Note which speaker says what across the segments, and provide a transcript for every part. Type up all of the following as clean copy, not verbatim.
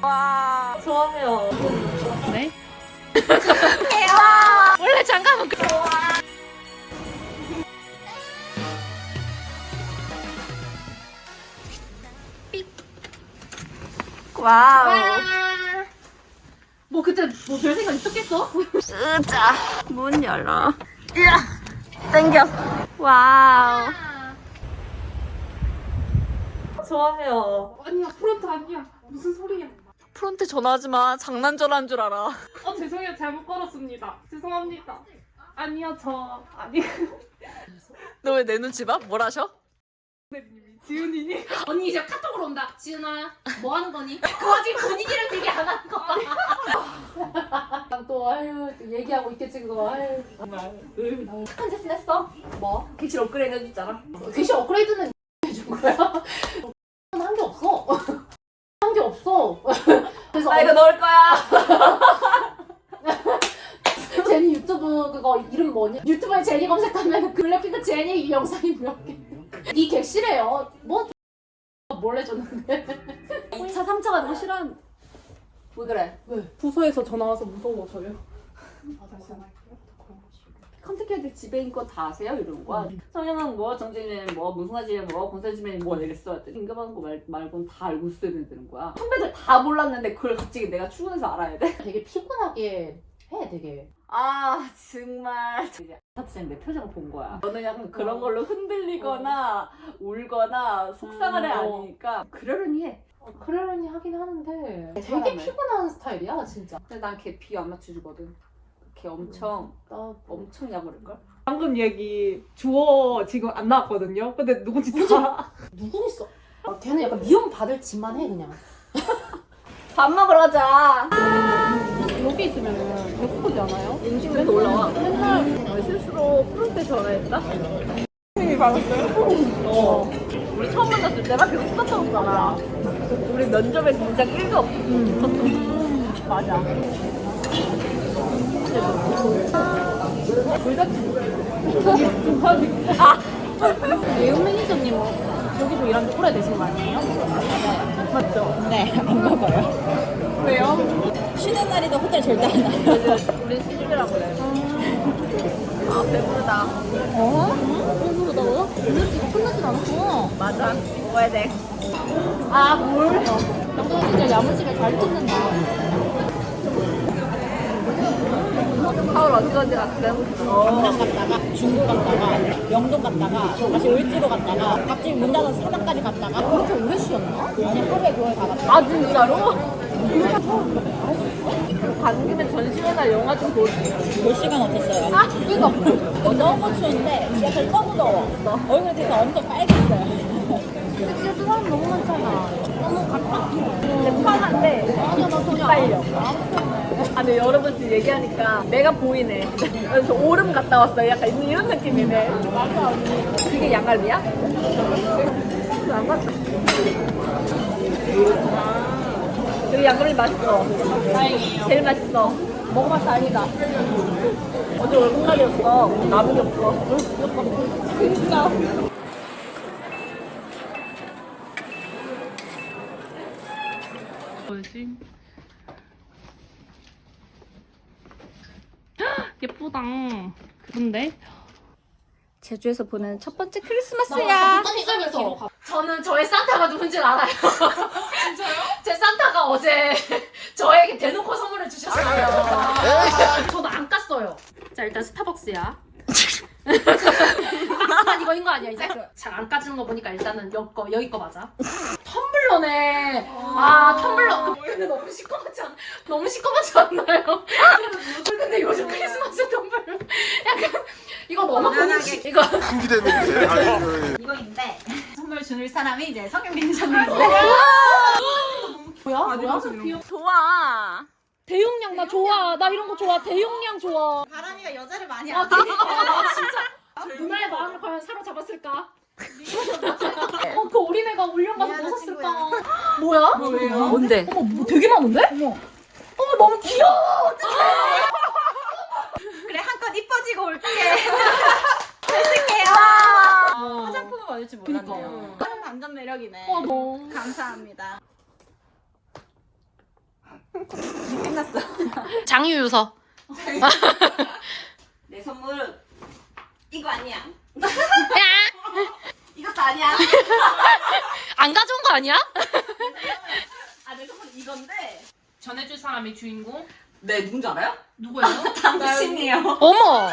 Speaker 1: 와, 좋아해요.
Speaker 2: 네?
Speaker 1: 와,
Speaker 2: 원래 장갑은
Speaker 1: 와우.
Speaker 2: 뭐 그때 뭐 별 생각 있었겠어?
Speaker 1: 으자, 문 열어. 으아, 땡겨. 와우. 좋아해요.
Speaker 2: 아니야 프론트 아니야. 무슨 소리야?
Speaker 1: 프론트 전화하지 마. 장난 전화인 줄 알아.
Speaker 2: 죄송해요 잘못 걸었습니다. 죄송합니다. 아니요 저 아니.
Speaker 1: 너 왜 내 눈치 봐? 뭘 하셔?
Speaker 2: 지훈이니? 언니 이제 카톡으로 온다. 지훈아 뭐 하는 거니? 그거 지금 본인이랑 얘기 안 하는 거 봐. 또 아유 얘기하고 있겠지 그거. 아유 정말.
Speaker 1: 착한 짓은 했어.
Speaker 2: 뭐?
Speaker 1: 객실 업그레이드 해줬잖아.
Speaker 2: 객실 업그레이드는 해준 거야? 한 게 없어. 한 게 없어. 그래서
Speaker 1: 나 이거 넣을 거야.
Speaker 2: 제니 유튜브 그거 이름 뭐니? 유튜브에 제니 검색하면 블랙핑크 제니 영상이 몇 개. 이 객실에요. 뭐 몰래 줬는데.
Speaker 1: 2차, 3차 가는 거 싫어하는. 왜 그래?
Speaker 2: 왜? 부서에서 전화 와서 무서워서요.
Speaker 1: 컨택해도 지배인권 다 아세요? 이런 거야. 성형은 뭐, 정진이는 뭐, 무승하지는 뭐, 권세지면 뭐 이랬어. 인감하는 거 말고는 다 알고 있어야 되는 거야. 선배들 다 몰랐는데 그걸 갑자기 내가 출근해서 알아야 돼?
Speaker 2: 되게 피곤하게 해 되게.
Speaker 1: 아 정말 이제 아파트장 내 표정을 본 거야. 너는 약간 그런 걸로 흔들리거나 울거나 속상한 애 아니니까 그러려니 해.
Speaker 2: 그러려니 하긴 하는데 되게
Speaker 1: 사람을.
Speaker 2: 피곤한 스타일이야 진짜.
Speaker 1: 근데 난 걔 비 안 맞춰주거든. 걔 엄청
Speaker 2: 나
Speaker 1: 엄청 약올릴걸?
Speaker 3: 방금 얘기 주어 지금 안 나왔거든요. 근데 누군지 다
Speaker 2: 누구 있어? 걔는 약간 미움 받을 짓만 해 그냥.
Speaker 1: 밥 먹으러 가자.
Speaker 2: 여기 있으면은 배고프지 않아요?
Speaker 1: 음식물에서 올라와.
Speaker 2: 맨날
Speaker 1: 실수로 프론트 전화했다?
Speaker 3: 선생님이 받았어요?
Speaker 1: 우리 처음 만났을 때막 계속 수다 떨었잖아. 우리 면접에 진작 1도 없었어. 맞아.
Speaker 2: 예은 매니저님은 여기서 일한 지 오래되신 거 아니에요? 맞죠?
Speaker 4: 네, 안 먹어요.
Speaker 2: 왜요?
Speaker 4: 쉬는 날에도 호텔 절대 안 가요.
Speaker 1: 우리 시집이라고 그래. 아, 배부르다.
Speaker 2: 배부르다고요? 이거 끝나진 않았어.
Speaker 1: 맞아. 먹어야 돼.
Speaker 2: 아, 뭘? 남자는 진짜 야무지게 잘 뜯는다.
Speaker 1: 하울 어디 갔어요?
Speaker 4: 강남 갔다가 중구 갔다가 영동 갔다가 다시 을지로 갔다가 갑자기 문 닫아서 사당까지 갔다가
Speaker 2: 그렇게 오래 쉬었나?
Speaker 4: 아니 하루에 그걸 다 갔다.
Speaker 1: 아, 진짜로? 가는 김에 전시회나 영화 좀 보지.
Speaker 4: 볼 시간 없었어요.
Speaker 2: 이거
Speaker 4: 너무 추운데 지하철 너무 더워. 얼굴 되게 엄청 빨개졌어요.
Speaker 2: 섹시한 사람 너무 많잖아. 너무 가깝고.
Speaker 1: 근데 편한데
Speaker 2: 아니야, 나 전혀
Speaker 1: 빨려.
Speaker 2: 안
Speaker 1: 아, 근데 여러분 지금 얘기하니까 내가 보이네. 그래서 오름 갔다 왔어요. 약간 이런 느낌이네.
Speaker 2: 맞아, 언니.
Speaker 1: 그게 양갈비야? 양갈비. 여기 양갈비 맛있어.
Speaker 2: 다행이에요.
Speaker 1: 제일 맛있어. 먹어봐서 다행이다. 어제 월급날이었어. 남은 게 없어. 진짜.
Speaker 2: 뭐지? 예쁘다. 근데
Speaker 1: 제주에서 보낸 첫 번째 크리스마스야.
Speaker 2: 저는 저의 산타가 누군지는 알아요. 진짜요? 제 산타가 어제 저에게 대놓고 선물을 주셨어요. 저도 안 깠어요. 자, 일단 스타벅스야. 박스만 이거인 거 아니야 이제? 잘 안 까지는 거 보니까 일단은 여기 거 맞아. 텀블러네. 아 텀블러. 근데 너무 시커멓지 않? 너무 시커멓지 않나요? 근데 요즘 크리스마스 텀블러 약간 이거 너무 본인식 이거.
Speaker 5: 준비됐는데. 아니,
Speaker 4: 이거인데 선물 줄 사람이 이제 성형 매니저님인데
Speaker 2: 뭐야? 뭐야?
Speaker 1: 좋아.
Speaker 2: 대용량 나 좋아. 나 이런 거 좋아. 대용량 좋아.
Speaker 4: 바람이가 여자를 많이
Speaker 2: 아,
Speaker 4: 안
Speaker 2: 진짜. 누나의 마음을 과연 사로잡았을까? 그 어린애가 울려 가서
Speaker 4: 미안한
Speaker 2: 웃었을까? 뭐야?
Speaker 1: 뭔데?
Speaker 2: 어머, 뭐 되게 많은데? 어머, 너무 귀여워.
Speaker 4: 그래 한껏 이뻐지고 올게. 잘 쓸게요. 화장품을 받을 줄 몰랐네요. 완전 매력이네.
Speaker 2: 너무.
Speaker 4: 감사합니다.
Speaker 2: 장유유서.
Speaker 1: 내 선물은 이거 아니야. 이것도 아니야.
Speaker 2: 안 가져온 거 아니야?
Speaker 1: 아, 내 선물은 이건데.
Speaker 2: 전해줄 사람이 주인공?
Speaker 1: 네, 누군지 알아요?
Speaker 2: 누구예요?
Speaker 1: 당신이에요.
Speaker 2: 어머!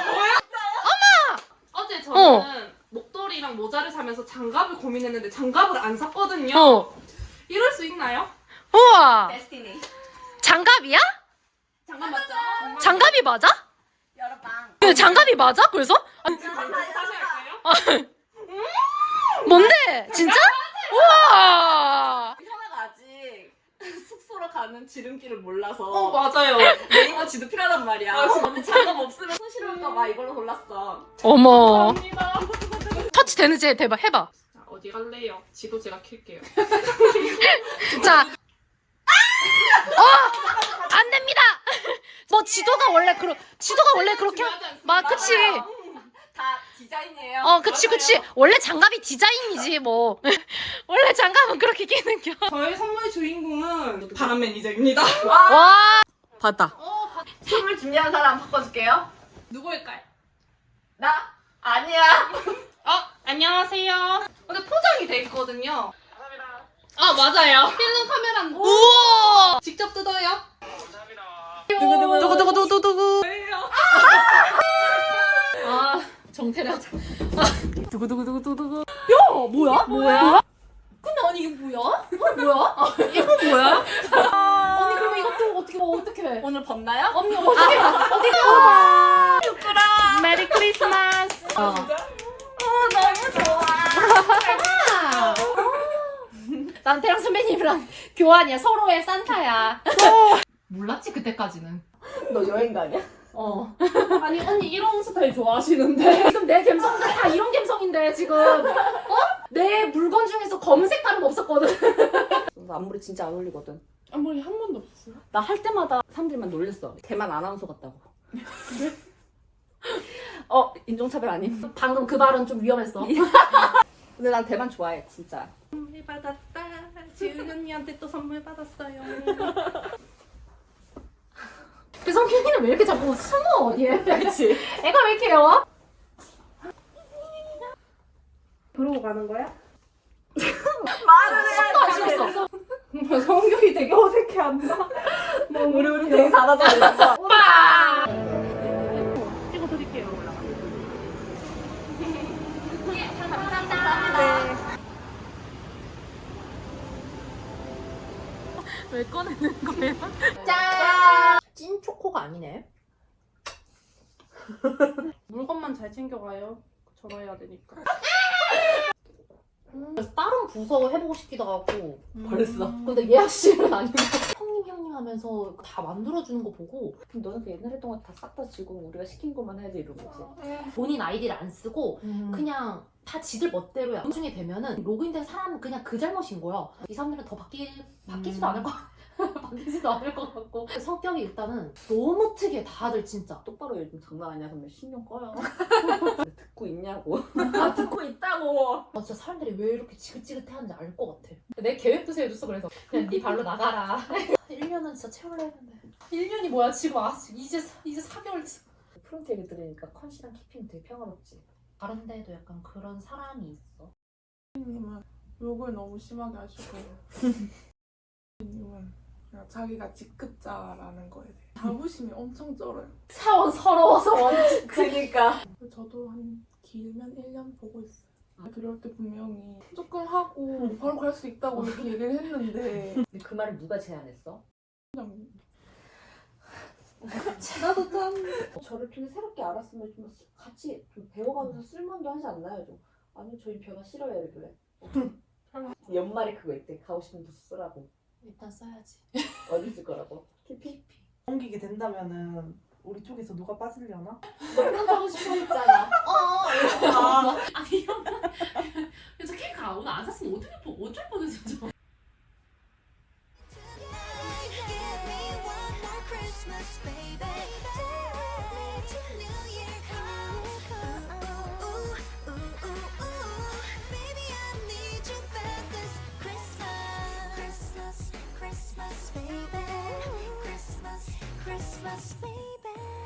Speaker 6: 어제 저는 목도리랑 모자를 사면서 장갑을 고민했는데 장갑을 안 샀거든요.
Speaker 2: 어.
Speaker 6: 이럴 수 있나요?
Speaker 2: 우와!
Speaker 1: 데스티니.
Speaker 2: 장갑이야?
Speaker 6: 장갑 맞죠?
Speaker 2: 장갑이 맞아?
Speaker 1: 여러방.
Speaker 2: 그 장갑이 맞아? 그래서? 아니,
Speaker 6: 다시 할까요?
Speaker 2: 뭔데? 진짜? 우와!
Speaker 1: 현아가 아직 숙소로 가는 지름길을 몰라서
Speaker 6: 맞아요.
Speaker 1: 네이버 지도 필요하단 말이야. 근데 장갑 없으면 손실할까봐 이걸로 골랐어.
Speaker 2: 어머.
Speaker 6: 감사합니다.
Speaker 2: 터치 되는지 대박 해봐.
Speaker 6: 자, 어디 갈래요? 지도 제가 킬게요.
Speaker 2: 자. 안 됩니다. 뭐 지도가 원래 그렇게 막 그치.
Speaker 1: 다 디자인이에요.
Speaker 2: 그치. 원래 장갑이 디자인이지 뭐. 원래 장갑은 그렇게 끼는겨.
Speaker 6: 저의 선물 주인공은 바람 매니저입니다.
Speaker 2: 와. 봤다.
Speaker 1: 선물 준비한 사람 바꿔줄게요.
Speaker 6: 누구일까요?
Speaker 1: 나? 아니야.
Speaker 6: 안녕하세요. 근데 포장이 돼 있거든요. 맞아요. 필름 카메라인데
Speaker 2: 우와.
Speaker 6: 직접 뜯어요?
Speaker 2: 두구두구두구두구.
Speaker 6: 정태량.
Speaker 2: 두구두구두구두구.
Speaker 6: 뭐야? 근데 아니 이게 뭐야? 이거 뭐야?
Speaker 2: 언니 그럼 이것도 어떻게?
Speaker 1: 오늘 벗나요?
Speaker 2: 언니 어떻게?
Speaker 6: 메리 크리스마스.
Speaker 1: 너무 좋아.
Speaker 2: 난 태양 선배님이랑 교환이야. 서로의 산타야. 몰랐지 그때까지는.
Speaker 1: 너 여행 가냐?
Speaker 6: 아니 언니 이런 스타일 좋아하시는데.
Speaker 2: 지금 내 감성도 다 이런 감성인데 지금 내 물건 중에서 검은색 깔은 없었거든.
Speaker 1: 나 앞머리 진짜 안 어울리거든.
Speaker 6: 앞머리 한 번도 없어요?
Speaker 1: 나 할 때마다 사람들만 놀렸어. 대만 아나운서 같다고. 인종차별 아님.
Speaker 2: 방금 그 발언 좀 위험했어.
Speaker 1: 근데 난 대만 좋아해, 진짜.
Speaker 6: 선물 받았다. 지은 언니한테 또 선물 받았어요.
Speaker 2: 그 성균이는 왜 이렇게 자꾸 숨어 어디에?
Speaker 1: 그렇지.
Speaker 2: 애가 왜 이렇게 요?
Speaker 3: 그러고 가는 거야?
Speaker 1: 말을
Speaker 2: 안 쉬었어.
Speaker 3: 성격이 되게 어색해한다.
Speaker 1: 우리 되게 잘하잖아.
Speaker 2: 오빠.
Speaker 6: 찍어드릴게요.
Speaker 2: 왜 꺼내는 거야?
Speaker 1: 짠!
Speaker 2: 찐 초코가 아니네.
Speaker 6: 물건만 잘 챙겨가요. 전화해야 되니까.
Speaker 2: 그래서 다른 부서 해보고 싶기도 하고.
Speaker 1: 벌써.
Speaker 2: 근데 예약실은 아니고 형님 하면서 다 만들어주는 거 보고
Speaker 1: 그럼 너는 그 옛날에 동안 다 싹 다 지고 우리가 시킨 것만 해야지 이런 거지.
Speaker 2: 본인 아이디를 안 쓰고 그냥 다 지들 멋대로야. 나중에 되면은 로그인된 사람은 그냥 그 잘못인 거야. 이 사람들은 더 바뀌지도 않을 거 바뀌지도 않을 것 같고. 성격이 일단은 너무 특이해 다들 진짜.
Speaker 1: 똑바로 요즘 장난 아니야. 선배 신경 꺼요. 듣고 있냐고. 아, 듣고 있다고.
Speaker 2: 진짜 사람들이 왜 이렇게 지긋지긋해하는지 알 것 같아. 내 계획도 세워줬어. 그래서 그냥 네 발로 나가라. 1년은 진짜 채울래 했는데 1년이 뭐야 지금. 이제 4개월 됐어.
Speaker 1: 프론트 얘기 들으니까 컨시랑 키핑 되게 평화롭지.
Speaker 2: 다른 데에도 약간 그런 사람이 있어.
Speaker 7: 님은 욕을 너무 심하게 하시고 님은 그냥 자기가 직급자라는 거에 대해 자부심이 엄청 쩔어요.
Speaker 2: 사원 서러워서 원치.
Speaker 1: 그러니까.
Speaker 7: 저도 한 길면 1년 보고 있어요. 들어올 때 분명히 조금 하고 바로 갈 수 있다고 이렇게 얘기를 했는데
Speaker 1: 근데 그 말을 누가 제안했어?
Speaker 7: 그냥
Speaker 1: 나도 짠. 저를 통해 새롭게 알았으면 좀 같이 좀 배워가면서 쓸만도 하지 않나요? 좀. 아니 저희 변화 싫어요 이러길래. 연말에 그거 있대. 가고 싶은 부서 쓰라고.
Speaker 2: 일단 써야지.
Speaker 1: 어디 쓸 거라고? 키피?
Speaker 3: 옮기게 된다면은 우리 쪽에서 누가 빠지려나?
Speaker 1: 너 프론트 하고 싶어 했잖아.
Speaker 2: 아니 형. 그래서 케이크 오늘 안 샀으면 어쩔 뻔했어. 저.
Speaker 8: Christmas, baby. Till New Year comes. Ooh, ooh, ooh, ooh. Baby, I need you back this Christmas. Christmas, Christmas, baby. Christmas, Christmas. promise, baby.